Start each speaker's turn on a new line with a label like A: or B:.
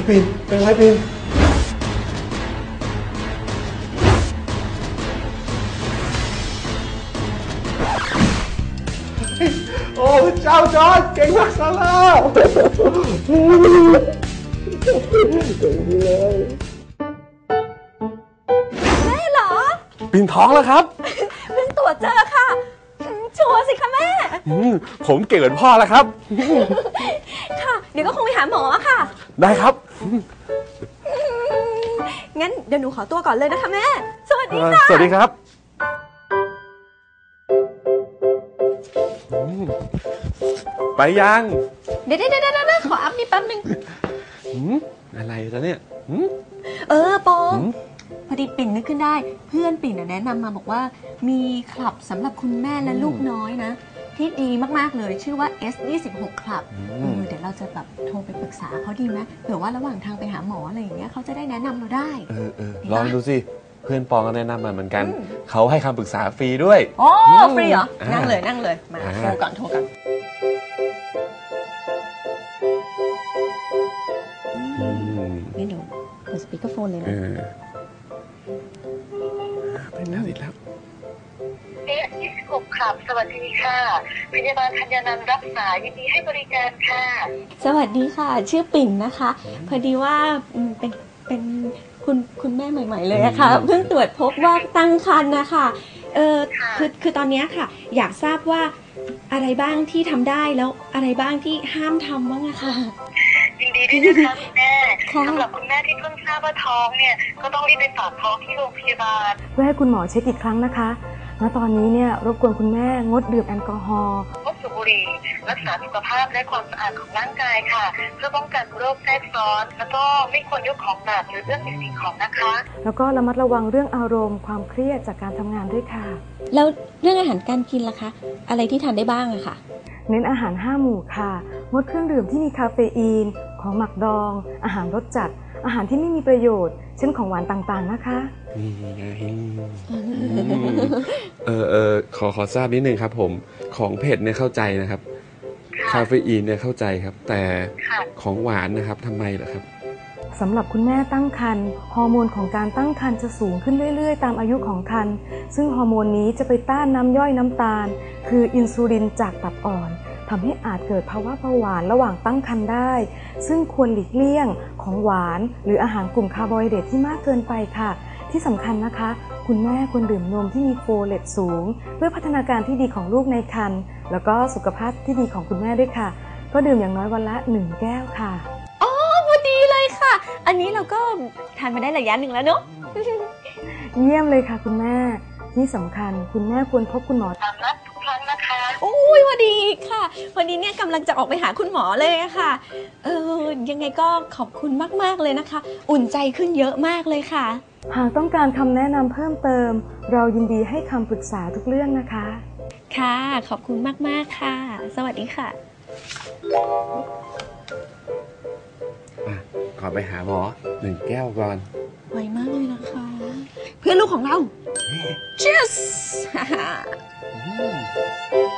A: ปิ่นเป็นไรปิ่นโอ้เจ้าจอร์จเก่งมากซาร่าเก่งดีเลย
B: แม่เหรอ
A: ปิ่นท้องแล้วครับ
B: เพิ่งตรวจเจอค่ะชัวร์สิคะแม่
A: ผมเก่งเหมือนพ่อแล้วครับ
B: ค่ะเดี๋ยวก็คงไปหาหมอค่ะ
A: ได้ครับ
B: งั้นเดี๋ยวหนูขอตัวก่อนเลยนะคะแม่สวัสดีค่ะ
A: สวัสดีครับไปยัง
B: เดี๋ยวขออัพนี่แป๊บนึง
A: อะไรแล้วเนี่ย
B: ปองพอดีปิ่นนึกขึ้นได้เพื่อนปิ่นแนะนำมาบอกว่ามีคลับสำหรับคุณแม่และลูกน้อยนะที่ดีมากๆเลยชื่อว่า S26 คลับเดี๋ยวเราจะแบบโทรไปปรึกษาเขาดีไหมเผื่อว่าระหว่างทางไปหาหมออะไรอย่างเงี้ยเขาจะได้แนะนำเราได้
A: ลองดูสิเพื่อนปองก็แนะนำมาเหมือนกันเขาให้คำปรึกษาฟรีด้วย
B: อ๋อฟรีเหรอนั่งเลยมาโทรก่อนนี่เดี๋ยวเปิดสปีกเกอร์โฟนเลยนะ
A: เป็นแล้วติดแล้ว
C: 26ครับ สวัสดีค่ะพยาบาลธัญนันท์รักษายินดีให้บริการค่ะ
B: สวัสดีค่ะชื่อปิ่นนะคะพอดีว่าเป็นคุณแม่ใหม่ๆเลยอะค่ะเพิ่งตรวจพบว่าตั้งครรภ์นะคะคือตอนนี้ค่ะอยากทราบว่าอะไรบ้างที่ทำได้แล้วอะไรบ้างที่ห้ามทำบ้างอะค่ะ
C: ยินดีด้วยนะคะคุณแม่สำหรับคุณแม่ที่เพิ่งทราบว่าท้องเนี่ยก็ต้องรีบไปฝากท้องที่โรงพยาบาล
D: เพื่อให้คุณหมอเช็คอีกครั้งนะคะณตอนนี้เนี่ยรบกวนคุณแม่งดดื่มแอลกอฮอล์
C: งดสูบบุหรี่รักษาสุขภาพและความสะอาดของร่างกายค่ะเพื่อป้องกันโรคแทรกซ้อนแล้วก็ไม่ควรยกของหนักหรือเรื่องสิ่งของนะคะ
D: แล้วก็ระมัดระวังเรื่องอารมณ์ความเครียดจากการทำงานด้วยค่ะ
B: แล้วเรื่องอาหารการกินล่ะคะอะไรที่ทานได้บ้างอะค่ะ
D: เน้นอาหาร5 หมู่ค่ะงดเครื่องดื่มที่มีคาเฟอีนของหมักดองอาหารรสจัดอาหารที่ไม่มีประโยชน์เช่นของหวานต่างๆนะคะ
A: นี่ไงขอทราบนิดนึงครับผมของเผ็ดเนี่ยเข้าใจนะครับคาเฟอีนเนี่ยเข้าใจครับแต่ของหวานนะครับทำไมล่ะครับ
D: สำหรับคุณแม่ตั้งครรภ์ฮอร์โมนของการตั้งครรภ์จะสูงขึ้นเรื่อยๆตามอายุของครรภ์ซึ่งฮอร์โมนนี้จะไปต้านน้ำย่อยน้ำตาลคืออินซูลินจากตับอ่อนทำให้อาจเกิดภาวะเบาหวานระหว่างตั้งครรภ์ได้ซึ่งควรหลีกเลี่ยงของหวานหรืออาหารกลุ่มคาร์โบไฮเดรตที่มากเกินไปค่ะที่สำคัญนะคะคุณแม่ควรดื่มนมที่มีโฟเลตสูงเพื่อพัฒนาการที่ดีของลูกในครรภ์แล้วก็สุขภาพที่ดีของคุณแม่ด้วยค่ะก็ดื่มอย่างน้อยวันละ1 แก้วค่ะ
B: อ๋อพอดีเลยค่ะอันนี้เราก็ทานมาได้ระยะหนึ่งแล้วเนาะ
D: เยี่ยมเลยค่ะคุณแม่ที่สำคัญคุณแม่ควรพบคุณหมอ
C: ตามนัดทุกครั้งนะคะ
B: โอ้ยพอดีค่ะวันนี้เนี่ยกำลังจะออกไปหาคุณหมอเลยค่ะยังไงก็ขอบคุณมากๆเลยนะคะอุ่นใจขึ้นเยอะมากเลยค่ะ
D: หากต้องการคำแนะนำเพิ่มเติมเรายินดีให้คำปรึกษาทุกเรื่องนะคะ
B: ค่ะขอบคุณมากๆค่ะสวัสดีค่ะ
A: ขอไปหาหมอ1 แก้วก่อน
B: ไวมากเลยนะคะเพื่อนลูกของเรา Cheers